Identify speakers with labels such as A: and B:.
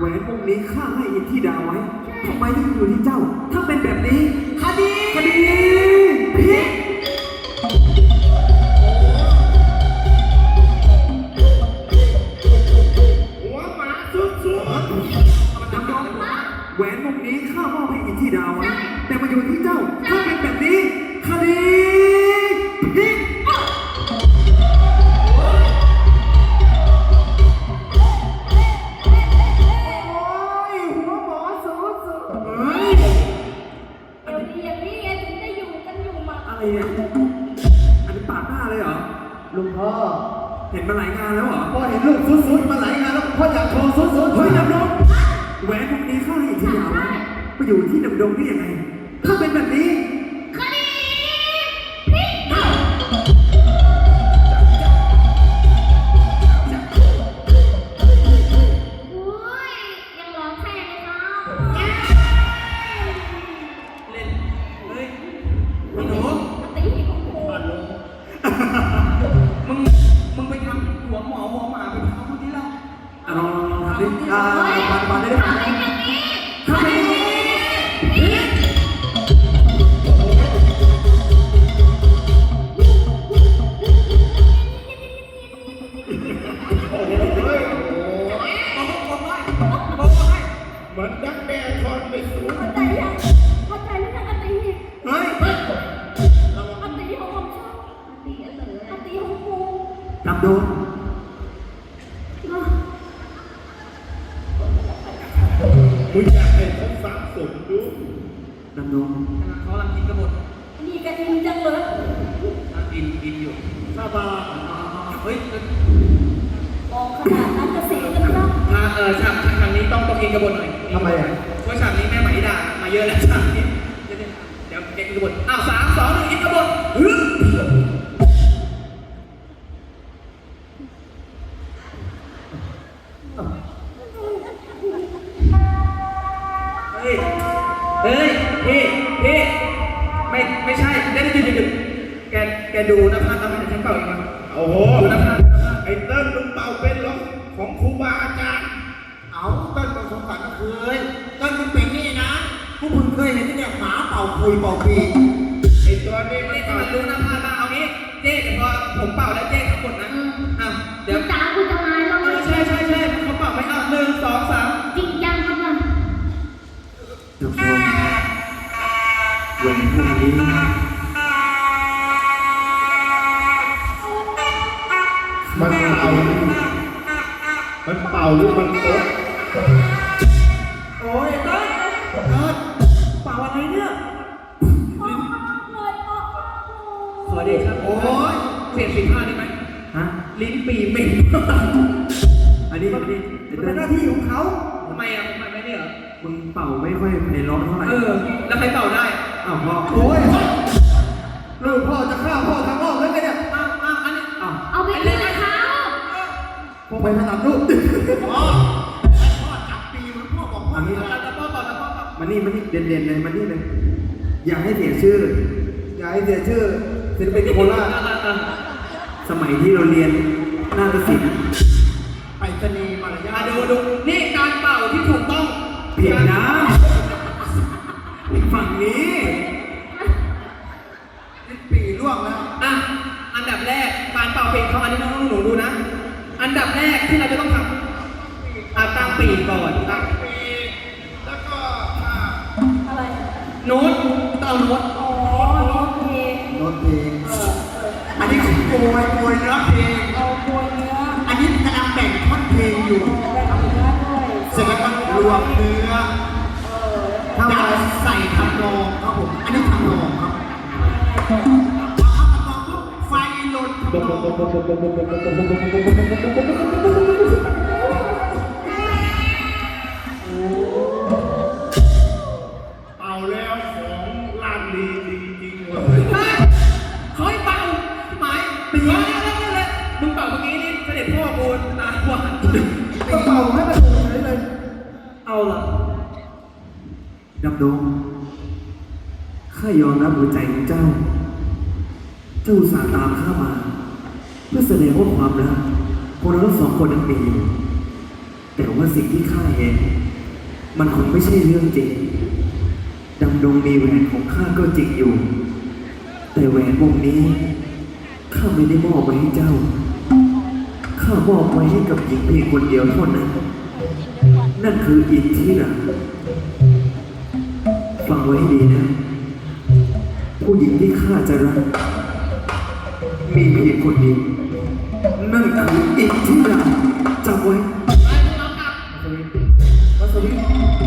A: แหวนวงนี้ข้าให้อินทิดาไว้ทำไมถึงอยู่ที่เจ้าถ้าเป็นแบบนี้คดีพิษ
B: หัวหมาสุด
A: จำยอมแหวนวงนี้ข้ามอบให้อินทิดาไว้แต่มาอยู่ที่เจ้าถ้าเป็นแบบนี้คดีพิษอะไรเนี่ยอันนี้ปาดหน้าเลยเหรอลุงพ่อเห็นมาหลายงานแล้วเหรอพ่อเห็นลูกสุดๆมาหลายงานแล้วพ่ออยากโชว์สุดๆเฮ้ยดำดงแหวนพวกนี้ข้าให้อินทิยาไว้ไปอยู่ที่ดำดงได้ยังไงถ้าเป็นแบบนี้
C: คดีพิษโอ้ยยังร้องแค่เลยครับ
B: เล่นเฮ้ยหนู
C: ตีของกู
B: มึงไปทำหัวหมอหัวหมาไปทำคนที่เรา
A: ลองทำดิปาดได้ไหม
C: คดีพิษ
B: เหมือนดักแด้ทอดไปสูง
C: เข้าใจหรือยังอตี
A: เฮ้ย
C: อตีของผมชอบอตีของกู
A: ดำดง
B: มึงอยากให้เขาสับสนดู
A: ดำดง
B: เขาลังกินกระบด
C: นี่กันอินจังเลย
B: กินอยู่ซาบาเฮ้ย
C: มองขนาดนั้นจะเสียกันแล้ว
B: ฉากนี้ต้องกินกระบดหน่อย
A: ทำไมอ่ะ
B: เพราะฉากนี้แม่ไหมด่ามาเยอะแล้วฉากนี้เดี๋ยวกินกระบดอ้าว3 2 1กินกระบดเฮ้ยพี่ไม่ใช่ได้ดึกแกดูนะพันทำไมฉันเป่าอีกมั้งโอ้โหดูนะพันไอ้เติ้ลมึงเป่าเป็นหรอของครูบาอาจารย์
D: เอาเติ้ลประสบการณ์เคยเติ้ลมันเป็นนี่นะพวกคุณเคยเห็นที่เนี่ยหมาเป่าคุยเป่าปี
B: ไอ้ตัวนี้ไม่ต้องรู้นะพันมาเอางี้เจ๊เดี๋ยวพอผมเป่าแล้วเจ๊ทั้งหมดนะ
C: เดี๋ยวตากูจะมาแล้ว
B: ใช่เขาเป่าไม่เอา1 2 3
C: จริงจังครับมัน
A: ดำดงแหวนพวกนี้
D: มันเป่าหรือมันโต๊ะ
B: โอ้ยต้นเป่าอะไรเนี่ยขอเดชะโอ้ยเสียง15ได้ไหม
A: ฮะ
B: ลิ้นปีเหม็น
A: อันนี้
D: เป็นหน้าที่ของเขา
B: ทำไมอ่ะผมไม่ได้เหรอ
A: มึงเป่าไม่ค่อยไพเราะเท่าไหร่
B: แล้วใครเป่าได้
A: อ้าวพ่อ
D: โอ้ยลูกพ่อจะฆ่าพ่อทางนอกเลยเนี่ย
B: อันนี้
C: เอาไปเลยนะคะ
D: พ่อไปถนัดลูกพ่อจับปีมันพ่อบอกพ่อ
A: อันนี้
B: แล้วพ่อเป่า
A: มันนี่เด่นเลยมันนี่เลยอย่าให้เสียชื่อศิลปินโคราชสมัยที่เราเรียนนาฏศิลป์
D: ไปสนีมารยาท
B: ดูนี่การเป่าที่ถูกต้อง
A: ผิดนะฝั่งนี้
D: ปีล่วงแล้ว
B: อันดับแรกการเป่าปีกเขาอันนี้น้องหนูดูนะอันดับแรกที่เราจะต้องทำตั้งปีกก่อนตั้งปีกแล้วก็
C: อะไร
B: โน้ตต้องโน้ต
C: โน้ตเพลง
D: อันนี้คือโกยเนื้อเพลง
C: โกยเนื้อ
D: อันนี้กำลังแบ่งท่อนเพลงอยู่เสร็จแล้วก็รวมเนื้อถ้าใส่ทำนองครับผมอันนี้ทำนองครับไฟลนทำนอง
B: เอาแล้วของลานดีจริงเลยเขาให้เป่าหมายปีแล้วมึงเป่าเมื่อกี้นี่เสด็จพ่อโกนตาหวาน
D: ก็เป่าให้มันดูเลย
B: เอาล่ะ
A: ดำดงข้ายอมรับหัวใจของเจ้าอุตส่าห์ตามข้ามาเพื่อแสดงว่าความรักพวกเราทั้ง2 คนนั้นมีอยู่แต่แต่ว่าสิ่งที่ข้าเห็นมันคงไม่ใช่เรื่องจริงดำดงมีแหวนของข้าก็จริงอยู่ แต่แหวนวงนี้ข้าไม่ได้มอบไว้ให้เจ้าข้ามอบไว้ให้กับหญิงเพียงคนเดียวเท่านั้นนั่นคืออินทิราฟังไว้ให้ดีนะ ผู้หญิงที่ข้าจะรักมีเพียงคนเดียวนั่นคืออินทิราจำไว้
B: ไปพวกเรากลับ
A: มัสวิ